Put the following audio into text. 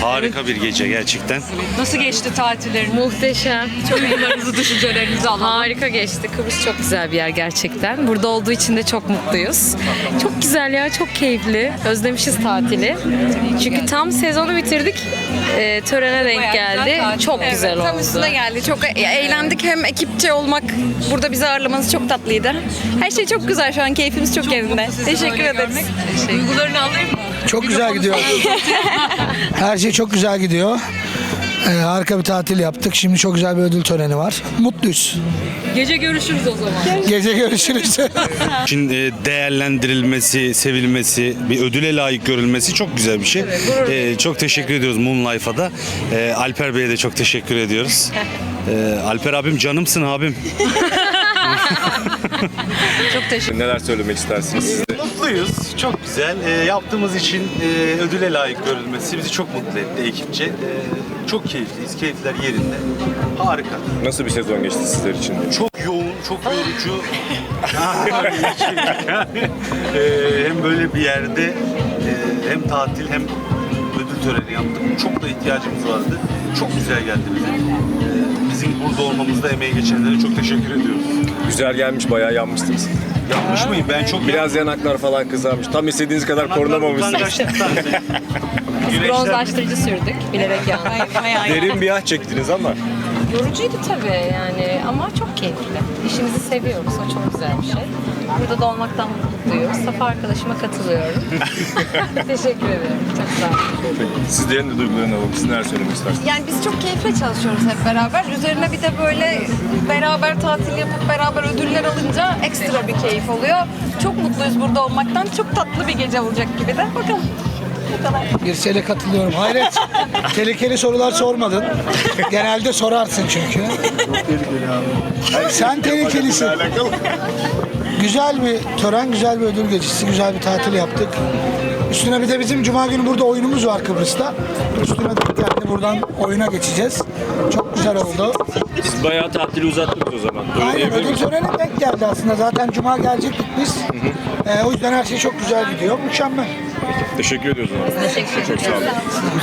Harika bir gece gerçekten. Nasıl geçti tatilleriniz? Muhteşem. Çok duygularınızı, düşüncelerinizi alalım. Harika geçti. Kıbrıs çok güzel bir yer gerçekten. Burada olduğu için de çok mutluyuz. Çok güzel ya, çok keyifli. Özlemişiz tatili. Çünkü tam sezonu bitirdik. Törene denk Bayağı güzel geldi. tatil. Çok güzel oldu. Tam üstüne geldi. Çok eğlendik. Hem ekipçe olmak, burada bizi ağırlamanız çok tatlıydı. Her şey çok güzel şu an. Keyfimiz çok yerinde. Sizi Teşekkür böyle ederiz. görmek. Duygularını alayım mı? Çok güzel gidiyor. Her şey çok güzel gidiyor. Harika bir tatil yaptık. Şimdi çok güzel bir ödül töreni var. Mutluyuz. Gece görüşürüz o zaman. Gece görüşürüz. Şimdi değerlendirilmesi, sevilmesi, bir ödüle layık görülmesi çok güzel bir şey. Çok teşekkür ediyoruz Moon Life'a da. Alper Bey'e de çok teşekkür ediyoruz. Alper abim canımsın abim. Çok teşekkür Neler söylemek istersiniz siz de? Mutluyuz. Çok güzel. Yaptığımız için ödüle layık görülmesi bizi çok mutlu etti ekipçe. Çok keyifliyiz. Keyifler yerinde. Harika. Nasıl bir sezon geçti sizler için de? Çok yoğun, çok yorucu. Hem böyle bir yerde hem tatil hem ödül töreni yaptık. Çok da ihtiyacımız vardı. Çok güzel geldi bize. Bizim burada olmamızda emeği geçenlere çok teşekkür ediyoruz. Güzel gelmiş, bayağı yanmıştınız. Yanlış mıyım? Ben çok Biraz yanaklar falan kızarmış. Tam istediğiniz kadar korunamamışsınız. Bronzlaştırıcı sürdük. Bilerek yani. Derin bir ah çektiniz ama. Yorucuydu tabii yani ama çok keyifli. İşimizi seviyoruz. O çok güzel bir şey. Burada da olmaktan mutluyuz. Safa arkadaşıma katılıyorum. Teşekkür ederim. Çok sağ olun. Sizlerin de duygularını alalım. Siz neler söylemek istersiniz? Yani biz çok keyifle çalışıyoruz hep beraber. Üzerine bir de böyle beraber tatil yapıp beraber ödüller alınca ekstra bir keyif oluyor. Çok mutluyuz burada olmaktan. Çok tatlı bir gece olacak gibi de. Bakalım. Bu kadar. Birsel'e katılıyorum. Hayret. Tehlikeli sorular sormadın. Genelde sorarsın çünkü. Sen tehlikelisin. Güzel bir tören, güzel bir ödül gecesi, güzel bir tatil yaptık. Üstüne bir de bizim Cuma günü burada oyunumuz var Kıbrıs'ta. Üstüne denk geldi. Buradan oyuna geçeceğiz. Çok güzel oldu. Siz bayağı tatili uzattınız o zaman. Öyle Aynen, diyebilir ödül miyiz? töreni denk geldi aslında. Zaten Cuma gelecektik biz. O yüzden her şey çok güzel gidiyor. Mükemmel. Teşekkür ediyoruz o zaman. Çok sağ olun.